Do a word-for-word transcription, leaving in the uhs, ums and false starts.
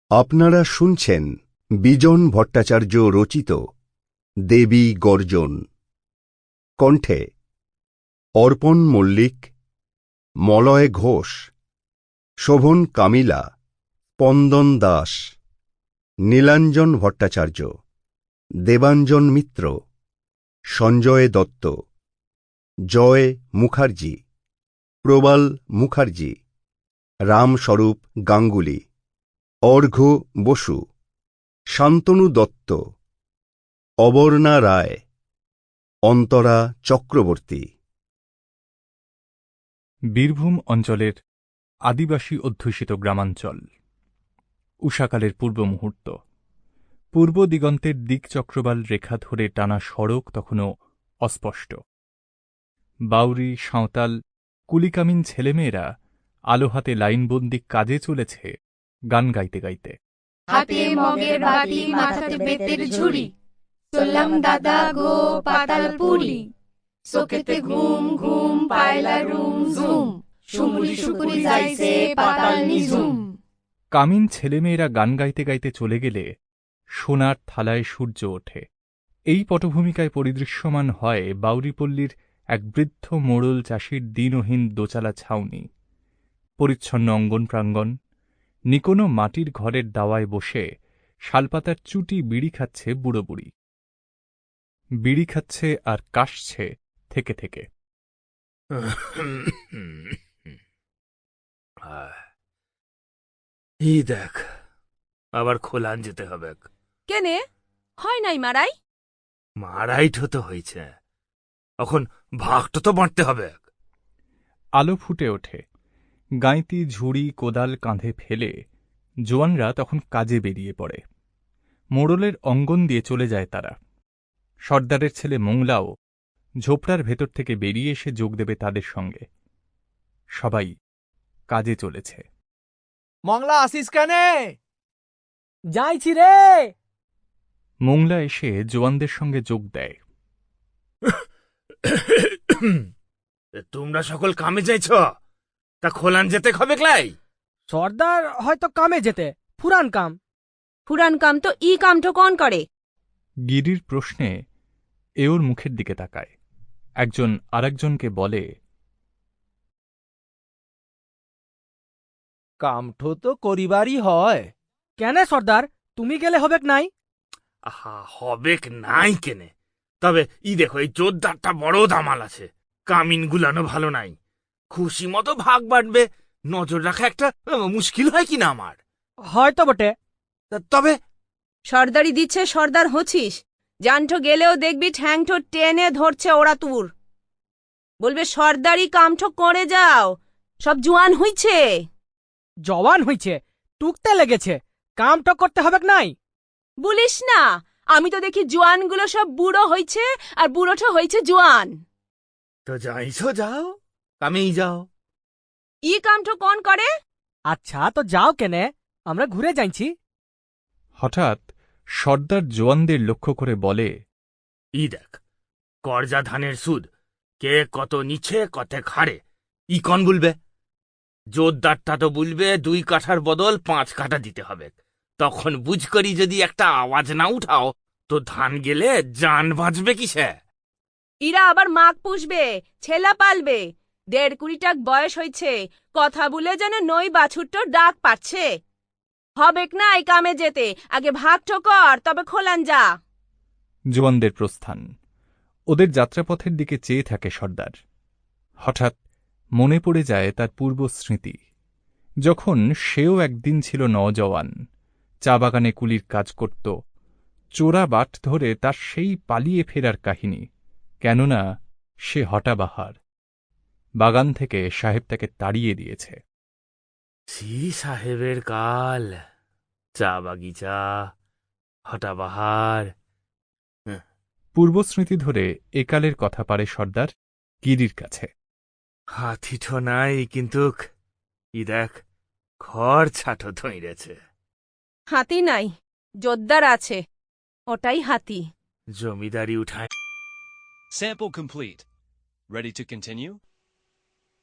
আপনারা শুনছেন বিজন ভট্টাচার্য রচিত দেবী গর্জন। কণ্ঠে অর্পণ মল্লিক, মলয় ঘোষ, শোভন কামিলা, স্পন্দন দাস, নীলাঞ্জন ভট্টাচার্য, দেবাঞ্জন মিত্র, সঞ্জয় দত্ত, জয় মুখার্জি, প্রবাল মুখার্জি, রামস্বরূপ গাঙ্গুলি, অর্ঘ্য বসু, শান্তনু দত্ত, অবর্ণা রায়, অন্তরা চক্রবর্তী। বীরভূম অঞ্চলের আদিবাসী অধ্যুষিত গ্রামাঞ্চল। উষাকালের পূর্ব মুহূর্ত। পূর্ব দিগন্তের দিকচক্রবাল রেখা ধরে টানা সড়ক তখনও অস্পষ্ট। বাউরি, সাঁওতাল, কুলিকামিন ছেলেমেয়েরা আলো হাতে লাইনবন্দি কাজে চলেছে গান গাইতে গাইতে। হাতে মগের বাটি, মাথাতে বেতের ঝুড়ি, চললাম দাদা গো পাতালপুরি। চোখেতে ঘুম ঘুম, পায়লা রুম ঝুম, শুমুলি শুকুরি যাইছে পাতাল নিঝুম। কামিন ছেলেমেয়েরা গান গাইতে গাইতে চলে গেলে সোনার থালায় সূর্য ওঠে। এই পটভূমিকায় পরিদৃশ্যমান হয় বাউরিপল্লীর এক বৃদ্ধ মোড়ল চাষির দিনহীন দোচালা ছাউনি। পরিচ্ছন্ন অঙ্গন প্রাঙ্গণ। নিকোনো মাটির ঘরের দাওয়ায় বসে শালপাতার চুটি বিড়ি খাচ্ছে বুড়ো বুড়ি। বিড়ি খাচ্ছে আর কাশছে থেকে থেকে। এই দেখ, আবার খোলান যেতে হবে। কেনে হয় নাই মারাই? মারাই তো হয়েছে, এখন ভাগটা তো বাঁটতে হবে। আলো ফুটে ওঠে। গাঁইতি ঝুড়ি কোদাল কাঁধে ফেলে জোয়ানরা তখন কাজে বেরিয়ে পড়ে। মোড়লের অঙ্গন দিয়ে চলে যায় তারা। সর্দারের ছেলে মোংলাও ঝোপড়ার ভেতর থেকে বেরিয়ে এসে যোগ দেবে তাদের সঙ্গে। সবাই কাজে চলেছে। মংলা আসিস কানে? যাইছি রে। মোংলা এসে জোয়ানদের সঙ্গে যোগ দেয়। তোমরা সকল কামে যাইছ, তা খোলান যেতে হবে ক্লাই? সর্দার হয়তো কামে যেতে, ফুরান কাম। ফুরান কাম তো ই কামটো কন করে? গিরির প্রশ্নে এ ওর মুখের দিকে তাকায়। একজন আরেকজনকে বলে, কামঠো তো করিবারই হয়। কেন সর্দার, তুমি গেলে হবেক নাই? আহা, হবেক নাই কেনে? তবে ই দেখো, এই জোরদারটা বড় দামাল আছে। কামিন গুলানো ভালো নাই। খুশি মতো ভাগ বাড়বে, নজর রাখা একটা মুশকিল হয় কিনা আমার। হয়তো বটে। তবে সর্দারি দিচ্ছে, সর্দার হচ্ছিস। জানঠো গেলেও দেখবি ঠ্যাংঠো টেনে ধরছে ওরা তুর। বলবে সর্দারি কামঠো করে যাও, সব জোয়ান হইছে। জওয়ান হইছে, টুকতে লেগেছে, কামটা করতে হবেক নাই? বলিস না, আমি তো দেখি জোয়ানগুলো সব বুড়ো হইছে আর বুড়োঠো হইছে জোয়ান। তো যাইছ যাও, কামেই যাও। ই কামঠো কন করে? আচ্ছা তো যাও কেনে, আমরা ঘুরে যাইছি। হঠাৎ সর্দার জোয়ানদের লক্ষ্য করে বলে, ই দেখ, করজা ধানের সুদ কে কত নিচ্ছে কতে খাড়ে, ই কন বলবে? জোরদারটা তো বলবে দুই কাঠার বদল পাঁচ কাঠা দিতে হবে। তখন বুঝ করি যদি একটা আওয়াজ না উঠাও, তো ধান গেলে জান বাঁচবে কিসে? ইরা আবার মাগ পুষবে, ছেলা পালবে। দেড় কুড়িটাক বয়স হইছে, কথা বলে যেন নই বাছুরটো ডাক পাচ্ছে। হবেক না এই কামে যেতে, আগে ভাগ ঠোকর, তবে খোলান যা। জোয়ানদের প্রস্থান। ওদের যাত্রাপথের দিকে চেয়ে থাকে সর্দার। হঠাৎ মনে পড়ে যায় তার পূর্ব স্মৃতি, যখন সেও একদিন ছিল নওজওয়ান, চা বাগানে কুলির কাজ করত। চোরা বাট ধরে তার সেই পালিয়ে ফেরার কাহিনী। কেননা সে হঠাবাহার। বাগান থেকে সাহেব তাকে তাড়িয়ে দিয়েছে। সি সাহেবের কাল, চা বাগিচা, হঠাবাহার। পূর্বস্মৃতি ধরে একালের কথা পারে সর্দার গিরির কাছে। হাতিঠো নাই, কিন্তু ই দেখ, খড় ছাটো ধইরেছে। হাতি নাই, জোদ্দার আছে, ওটাই হাতি। জমিদারি উঠায়। Sample complete. Ready to continue?